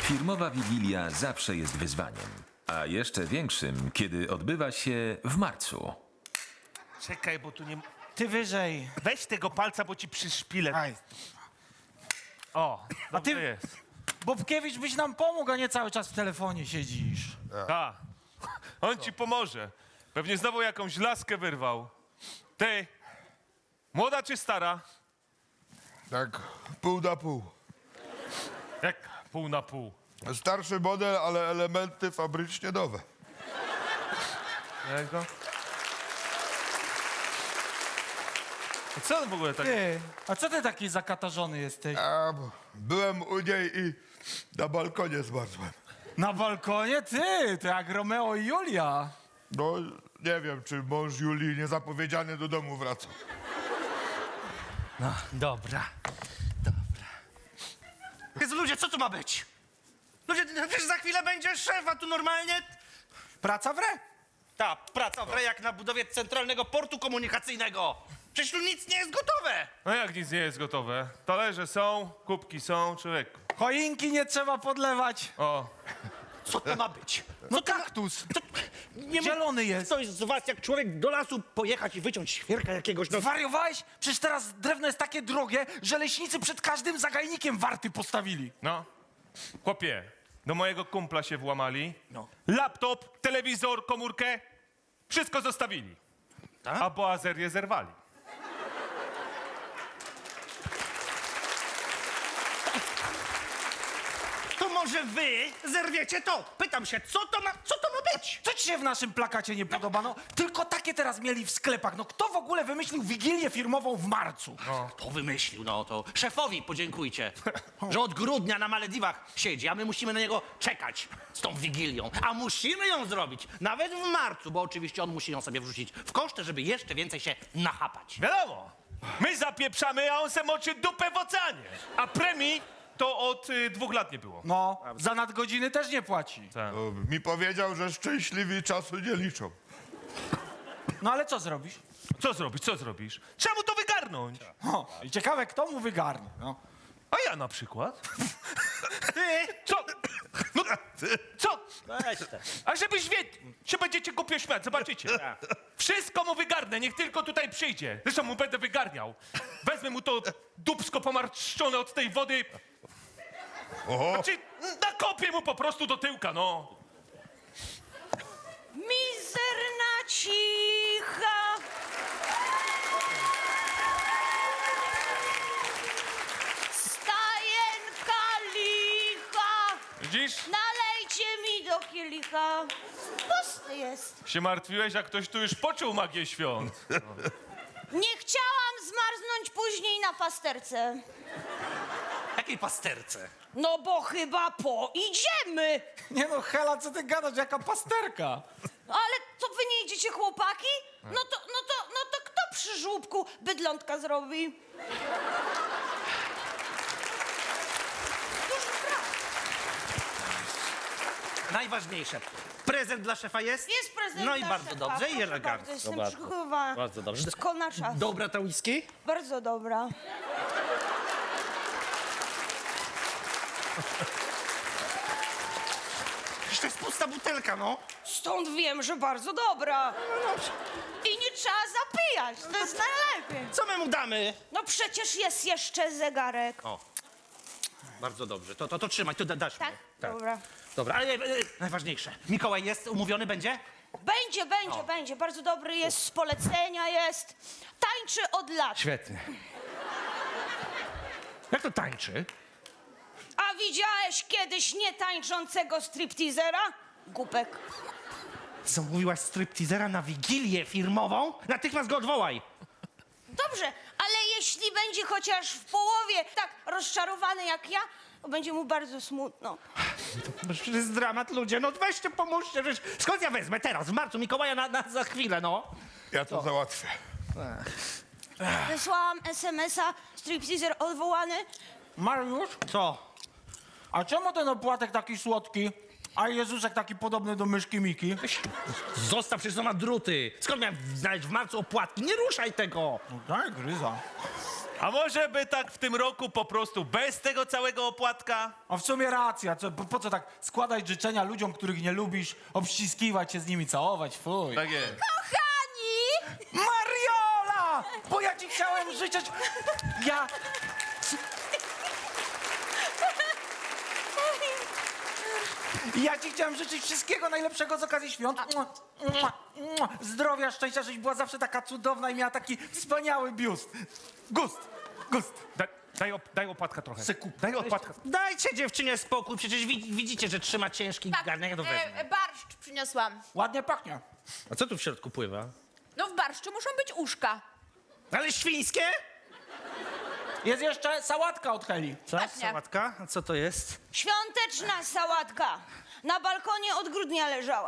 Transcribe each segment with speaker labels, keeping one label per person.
Speaker 1: Firmowa Wigilia zawsze jest wyzwaniem, a jeszcze większym, kiedy odbywa się w marcu.
Speaker 2: Czekaj, bo tu nie...
Speaker 3: Ty wyżej.
Speaker 2: Weź tego palca, bo ci przyszpilę.
Speaker 3: Aj.
Speaker 2: O,
Speaker 3: A ty,
Speaker 2: dobrze jest.
Speaker 3: Bobkiewicz, byś nam pomógł, a nie cały czas w telefonie siedzisz.
Speaker 2: A, on ci pomoże. Pewnie znowu jakąś laskę wyrwał. Ty, młoda czy stara?
Speaker 4: Tak, pół na pół.
Speaker 2: Jak pół na pół.
Speaker 4: Starszy model, ale elementy fabrycznie nowe.
Speaker 2: Jego? A co on w ogóle tak...
Speaker 3: Ty, a co ty taki zakatarzony jesteś?
Speaker 4: A, bo byłem u niej i na balkonie zmarzłem.
Speaker 3: Na balkonie? Ty, to jak Romeo i Julia.
Speaker 4: No, nie wiem, czy mąż Julii niezapowiedziany do domu wraca.
Speaker 5: No, dobra. Jezu, ludzie, co tu ma być? Ludzie, przecież za chwilę będzie szef, a tu normalnie...
Speaker 3: Praca w re.
Speaker 5: Ta praca w jak na budowie centralnego portu komunikacyjnego. Przecież tu nic nie jest gotowe.
Speaker 2: No jak nic nie jest gotowe? Talerze są, kubki są, człowieku.
Speaker 3: Choinki nie trzeba podlewać.
Speaker 2: O,
Speaker 5: Co to ma być?
Speaker 3: No kaktus.
Speaker 5: To, nie
Speaker 3: Zielony jest.
Speaker 5: Ktoś z was, jak człowiek do lasu pojechać i wyciąć świerka jakiegoś... No,
Speaker 3: Zwariowałeś? Przecież teraz drewno jest takie drogie, że leśnicy przed każdym zagajnikiem warty postawili.
Speaker 2: no. Chłopie, do mojego kumpla się włamali.
Speaker 5: No.
Speaker 2: Laptop, telewizor, komórkę. Wszystko zostawili.
Speaker 5: Tak?
Speaker 2: A boazerię zerwali.
Speaker 5: To może wy zerwiecie to? Pytam się, co to ma być?
Speaker 3: Co ci się w naszym plakacie nie podoba? No, tylko takie teraz mieli w sklepach. No, kto w ogóle wymyślił wigilię firmową w marcu?
Speaker 5: To wymyślił, no to szefowi podziękujcie, że od grudnia na Malediwach siedzi, a my musimy na niego czekać z tą Wigilią. A musimy ją zrobić nawet w marcu, bo oczywiście on musi ją sobie wrzucić w koszty, żeby jeszcze więcej się nachapać.
Speaker 2: Wiadomo, my zapieprzamy, a on se moczy dupę w oceanie. A premii to od 2 lat nie było.
Speaker 3: No, za nadgodziny też nie płaci.
Speaker 2: Tak.
Speaker 4: No, mi powiedział, że szczęśliwi czasu nie liczą.
Speaker 3: No, ale co zrobisz?
Speaker 2: Co zrobisz, co zrobisz? Trzeba mu to wygarnąć.
Speaker 3: O, i ciekawe, kto mu wygarnie. No.
Speaker 2: A ja na przykład.
Speaker 5: Ty!
Speaker 2: Co? No, co?
Speaker 5: Weź te.
Speaker 2: A żebyś wiedział, się będziecie głupio śmiać, zobaczycie. Wszystko mu wygarnę, niech tylko tutaj przyjdzie. Zresztą mu będę wygarniał. Wezmę mu to dupsko pomarszczone od tej wody.
Speaker 4: Oho,
Speaker 2: Znaczy, nakopię mu po prostu do tyłka, no.
Speaker 6: Mizerna cicha. Stajenka licha.
Speaker 2: Widzisz?
Speaker 6: Nalejcie mi do kielicha. Pusty jest.
Speaker 2: Się martwiłeś, a ktoś tu już poczuł magię świąt.
Speaker 6: Nie chciałam zmarznąć później na pasterce.
Speaker 5: Jakiej pasterce?
Speaker 6: No bo chyba poidziemy.
Speaker 3: Nie no, Hela, co ty gadasz, jaka pasterka?
Speaker 6: Ale to wy nie idziecie, chłopaki? No to kto przy żłóbku bydlątka zrobi? Duży brak.
Speaker 5: Najważniejsze. Prezent dla szefa jest?
Speaker 6: Jest prezent
Speaker 5: No i
Speaker 6: dla
Speaker 5: bardzo
Speaker 6: szefa.
Speaker 5: dobrze i
Speaker 6: Proszę
Speaker 5: elegancko.
Speaker 6: bardzo, jestem
Speaker 5: Bardzo.
Speaker 6: przygotowana.
Speaker 5: Bardzo dobrze.
Speaker 6: Wszystko na czas.
Speaker 5: Dobra ta whisky?
Speaker 6: Bardzo dobra.
Speaker 5: Przecież to jest pusta butelka, no.
Speaker 6: Stąd wiem, że bardzo dobra. I nie trzeba zapijać, to jest najlepiej.
Speaker 5: Co my mu damy?
Speaker 6: No przecież jest jeszcze zegarek.
Speaker 5: O, bardzo dobrze. To trzymaj, to dasz
Speaker 6: Tak?
Speaker 5: mi.
Speaker 6: Dobra.
Speaker 5: Dobra, ale najważniejsze. Mikołaj jest umówiony, będzie?
Speaker 6: Będzie. Bardzo dobry jest, z polecenia jest. Tańczy od lat.
Speaker 5: Świetnie. Jak to tańczy?
Speaker 6: A widziałeś kiedyś nietańczącego stripteasera? Głupek.
Speaker 5: Co, mówiłaś stripteasera na wigilię firmową? Natychmiast go odwołaj.
Speaker 6: Dobrze, ale jeśli będzie chociaż w połowie tak rozczarowany jak ja, to będzie mu bardzo smutno.
Speaker 5: To jest dramat, ludzie, no weźcie, pomóżcie. Przecież skąd ja wezmę teraz, w marcu, Mikołaja za chwilę, no?
Speaker 4: ja to załatwię.
Speaker 6: Wysłałam SMS-a, stripteaser odwołany.
Speaker 3: Mariusz,
Speaker 5: Co?
Speaker 3: a czemu ten opłatek taki słodki, a Jezusek taki podobny do myszki Miki?
Speaker 5: Zostaw, przecież to ma druty. Skąd miałem znaleźć w marcu opłatki? Nie ruszaj tego.
Speaker 3: No daj, gryza.
Speaker 2: A może by tak w tym roku po prostu bez tego całego opłatka?
Speaker 3: A w sumie racja, po co tak składać życzenia ludziom, których nie lubisz, obściskiwać się z nimi, całować, fuj.
Speaker 2: Tak jest.
Speaker 6: Kochani!
Speaker 3: Mariola! Bo ja ci chciałem życzyć... Ja ci chciałem życzyć wszystkiego najlepszego z okazji świąt. Zdrowia, szczęścia, żebyś była zawsze taka cudowna i miała taki wspaniały biust. Gust.
Speaker 2: Daj opłatka trochę.
Speaker 3: Se kup.
Speaker 2: Daj opłatka.
Speaker 5: Dajcie dziewczynie spokój, przecież widzicie, że trzyma ciężki garnek, ja to wezmę.
Speaker 7: Barszcz przyniosłam.
Speaker 3: Ładnie pachnie.
Speaker 5: A co tu w środku pływa?
Speaker 7: No w barszczu muszą być uszka.
Speaker 5: Ale świńskie?
Speaker 3: Jest jeszcze sałatka od Heli.
Speaker 5: Co?
Speaker 7: Właśnie.
Speaker 5: Sałatka? A co to jest?
Speaker 6: Świąteczna sałatka. Na balkonie od grudnia leżała.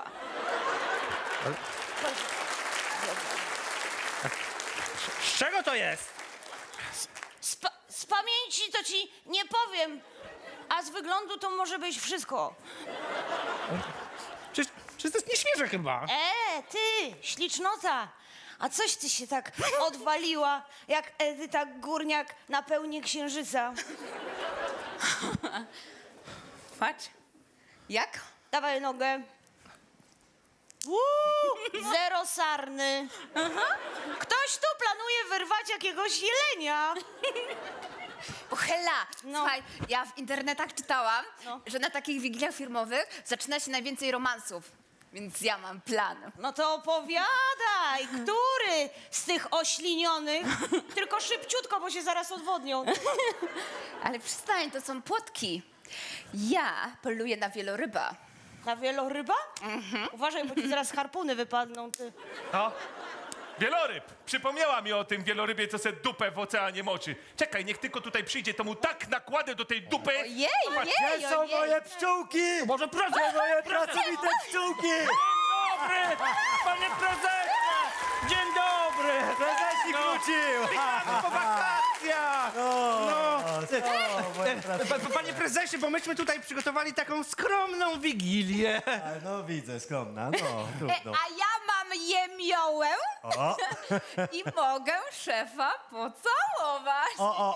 Speaker 5: Z czego to jest?
Speaker 6: Z pamięci to ci nie powiem, a z wyglądu to może być wszystko.
Speaker 5: Przecież to jest nieświeże chyba.
Speaker 6: Ty, ślicznota. A coś ty się tak odwaliła, jak Edyta Górniak na pełni księżyca.
Speaker 7: Patrz. Jak?
Speaker 6: Dawaj nogę. Zero sarny. Ktoś tu planuje wyrwać jakiegoś jelenia.
Speaker 7: Hela,
Speaker 6: No.
Speaker 7: słuchaj, ja w internetach czytałam,
Speaker 6: No.
Speaker 7: że na takich wigiliach firmowych zaczyna się najwięcej romansów. Więc ja mam plan.
Speaker 6: No to opowiadaj, który z tych oślinionych? Tylko szybciutko, bo się zaraz odwodnią.
Speaker 7: Ale przestań, to są płotki. Ja poluję na wieloryba.
Speaker 6: Na wieloryba? Uważaj, bo ci zaraz harpuny wypadną, ty.
Speaker 2: No. Wieloryb! Przypomniała mi o tym wielorybie, co se dupę w oceanie moczy. Czekaj, niech tylko tutaj przyjdzie, to mu tak nakładę do tej dupy.
Speaker 7: Ojej,
Speaker 2: Zobacz,
Speaker 7: ojej,
Speaker 8: Gdzie są
Speaker 7: ojej.
Speaker 8: moje pszczółki?
Speaker 5: Może proszę,
Speaker 8: Gdzie moje pracowite pszczółki?
Speaker 5: dobry! Panie prezesie! Dzień dobry!
Speaker 8: Prezesik wrócił!
Speaker 5: Po wakacjach! No.
Speaker 8: moje pracowite.
Speaker 5: Panie prezesie, bo myśmy tutaj przygotowali taką skromną wigilię.
Speaker 8: No widzę, skromna, no trudno.
Speaker 7: A ja mam jemiołę i mogę szefa pocałować.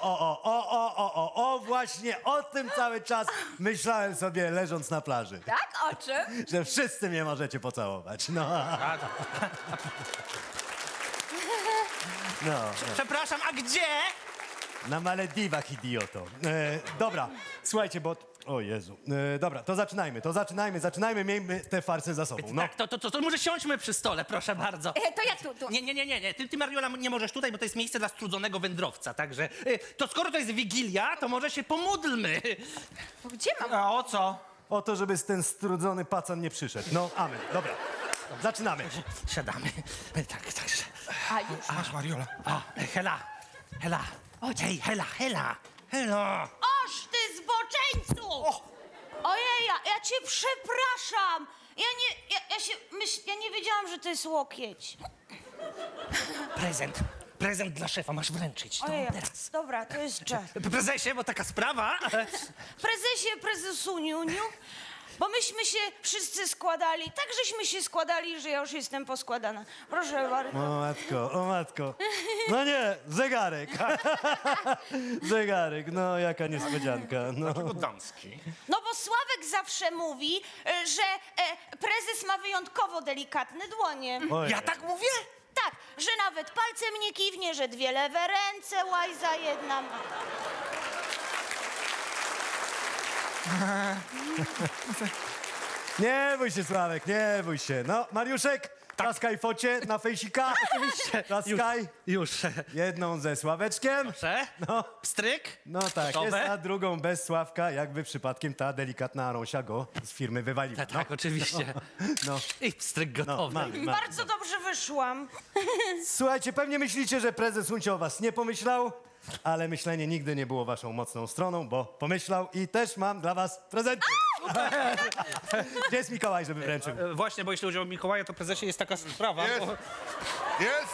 Speaker 8: O, właśnie o tym cały czas myślałem sobie leżąc na plaży.
Speaker 7: Tak? O czym?
Speaker 8: Że wszyscy mnie możecie pocałować, no. No,
Speaker 5: Przepraszam, a gdzie?
Speaker 8: na Malediwach, idioto. Dobra, słuchajcie, bo... O Jezu. Dobra, to zaczynajmy, miejmy te farsy za sobą, no.
Speaker 5: Tak, to może siądźmy przy stole, proszę bardzo.
Speaker 7: To ja tu.
Speaker 5: Nie. Ty Mariola, nie możesz tutaj, bo to jest miejsce dla strudzonego wędrowca, także... To skoro to jest Wigilia, to może się pomódlmy.
Speaker 7: Gdzie mam?
Speaker 3: A o co?
Speaker 8: O to, żeby ten strudzony pacan nie przyszedł. No, amen. Dobra, zaczynamy.
Speaker 5: Siadamy. Tak, także...
Speaker 7: A już.
Speaker 3: Masz, Mariola.
Speaker 5: Hela. Hej, Hela.
Speaker 6: Oż ty zboczeńcu! Ojej, ja cię przepraszam. Ja nie wiedziałam, że to jest łokieć.
Speaker 5: Prezent dla szefa, masz wręczyć.
Speaker 6: Ojej,
Speaker 5: No, teraz.
Speaker 6: dobra, to jest czas.
Speaker 5: Prezesie, bo taka sprawa.
Speaker 6: Prezesuniu, bo myśmy się wszyscy składali, tak żeśmy się składali, że ja już jestem poskładana. Proszę bardzo.
Speaker 8: O matko. No nie, zegarek. Zegarek, no jaka niespodzianka. No.
Speaker 5: Damski.
Speaker 6: No bo Sławek zawsze mówi, że prezes ma wyjątkowo delikatne dłonie.
Speaker 8: Ojej.
Speaker 5: Ja tak mówię?
Speaker 6: Tak, że nawet palcem nie kiwnie, że dwie lewe ręce, łajza jedna.
Speaker 8: Nie bój się, Sławek, nie bój się. No, Mariuszek, klaskaj focie na fejsika. Oczywiście. Klaskaj.
Speaker 5: Już.
Speaker 8: Jedną ze Sławeczkiem.
Speaker 5: Proszę.
Speaker 8: No.
Speaker 5: Stryk.
Speaker 8: No tak,
Speaker 5: Gotowe?
Speaker 8: jest, a drugą bez Sławka, jakby przypadkiem ta delikatna Rąsia go z firmy wywaliła.
Speaker 5: Tak, oczywiście.
Speaker 8: No,
Speaker 5: I stryk gotowy.
Speaker 8: mamy.
Speaker 6: Bardzo dobrze wyszłam.
Speaker 8: Słuchajcie, pewnie myślicie, że prezes Uncio o was nie pomyślał, ale myślenie nigdy nie było waszą mocną stroną, bo pomyślał i też mam dla was prezenty. Gdzie jest Mikołaj, żeby wręczył?
Speaker 5: Właśnie, bo jeśli chodzi o Mikołaja, to prezesie jest taka sprawa.
Speaker 4: Jest.
Speaker 5: Bo...
Speaker 4: Jest!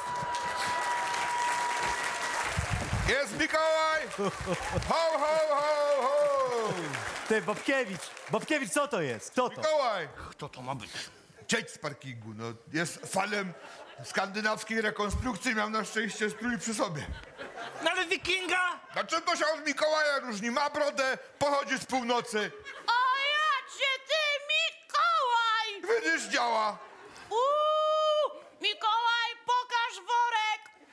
Speaker 4: Jest Mikołaj! Ho, ho, ho, ho!
Speaker 8: Ty, Bobkiewicz, co to jest? Kto to?
Speaker 4: Mikołaj!
Speaker 5: Kto to ma być?
Speaker 4: cieć z parkingu. No, jest fanem skandynawskiej rekonstrukcji, miał na szczęście strój przy sobie.
Speaker 5: No ale wikinga!
Speaker 4: Znaczy to się od Mikołaja różni, ma brodę, pochodzi z północy.
Speaker 6: O jacie ty, Mikołaj!
Speaker 4: Widzisz, działa.
Speaker 6: Mikołaj, pokaż worek!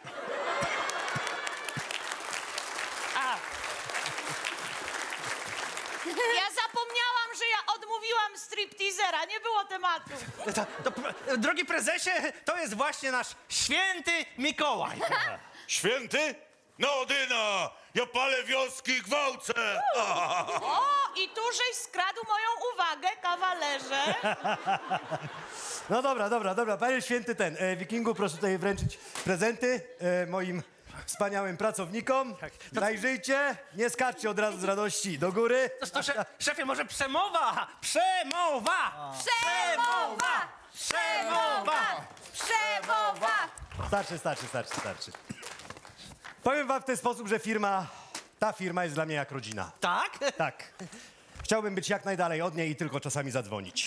Speaker 6: Ja zapomniałam, że ja odmówiłam stripteasera, nie było tematu.
Speaker 5: Drogi prezesie, to jest właśnie nasz święty Mikołaj.
Speaker 9: Święty? No, Dyna! Ja palę wioski i gwałcę!
Speaker 6: O, i tu żeś skradł moją uwagę, kawalerze.
Speaker 8: No dobra. Panie święty Wikingu, proszę tutaj wręczyć prezenty moim wspaniałym pracownikom. Zajrzyjcie, nie skaczcie od razu z radości do góry.
Speaker 5: To szefie, może przemowa? Przemowa!
Speaker 7: Przemowa! Przemowa! Przemowa!
Speaker 8: Starczy. Powiem wam w ten sposób, że ta firma jest dla mnie jak rodzina.
Speaker 5: Tak?
Speaker 8: Tak. Chciałbym być jak najdalej od niej i tylko czasami zadzwonić.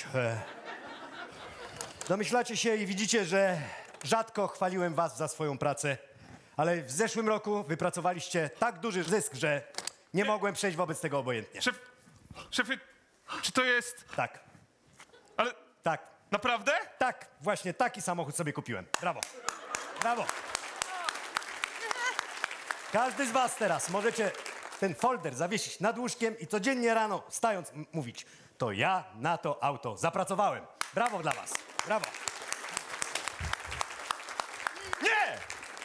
Speaker 8: Domyślacie się i widzicie, że rzadko chwaliłem was za swoją pracę, ale w zeszłym roku wypracowaliście tak duży zysk, że nie mogłem przejść wobec tego obojętnie.
Speaker 2: Szefie, czy to jest...
Speaker 8: Tak,
Speaker 2: Ale
Speaker 8: tak,
Speaker 2: naprawdę?
Speaker 8: tak, właśnie taki samochód sobie kupiłem. Brawo. Każdy z was teraz możecie ten folder zawiesić nad łóżkiem i codziennie rano, wstając, mówić: to ja na to auto zapracowałem. Brawo dla was. Brawo.
Speaker 2: Nie!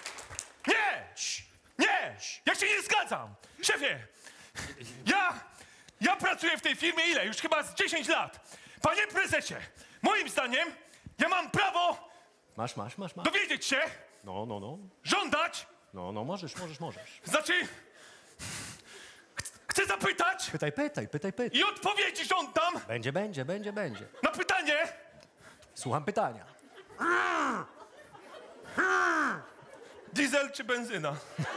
Speaker 2: Ja się nie zgadzam! Szefie, ja pracuję w tej firmie ile? Już chyba z 10 lat. Panie prezesie, moim zdaniem ja mam prawo
Speaker 8: Masz.
Speaker 2: dowiedzieć się,
Speaker 8: No.
Speaker 2: żądać,
Speaker 8: No, możesz.
Speaker 2: znaczy chcę zapytać
Speaker 8: Pytaj.
Speaker 2: i odpowiedzi żądam
Speaker 8: Będzie.
Speaker 2: na pytanie.
Speaker 8: Słucham pytania.
Speaker 2: Diesel czy benzyna?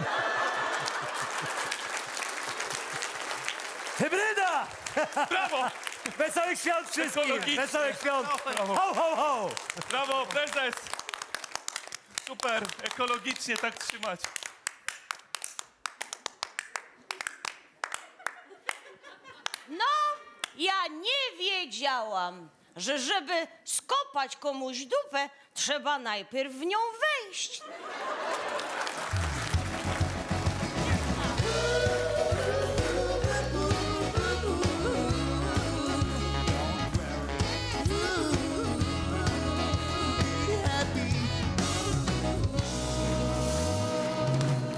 Speaker 8: Hybryda!
Speaker 2: Brawo!
Speaker 8: Wesołych świąt wszystkim!
Speaker 2: Ekologicznie.
Speaker 8: Wesołych świąt! Ho!
Speaker 2: Brawo, prezes! Super, ekologicznie tak trzymać.
Speaker 6: No, ja nie wiedziałam, że żeby skopać komuś dupę, trzeba najpierw w nią wejść.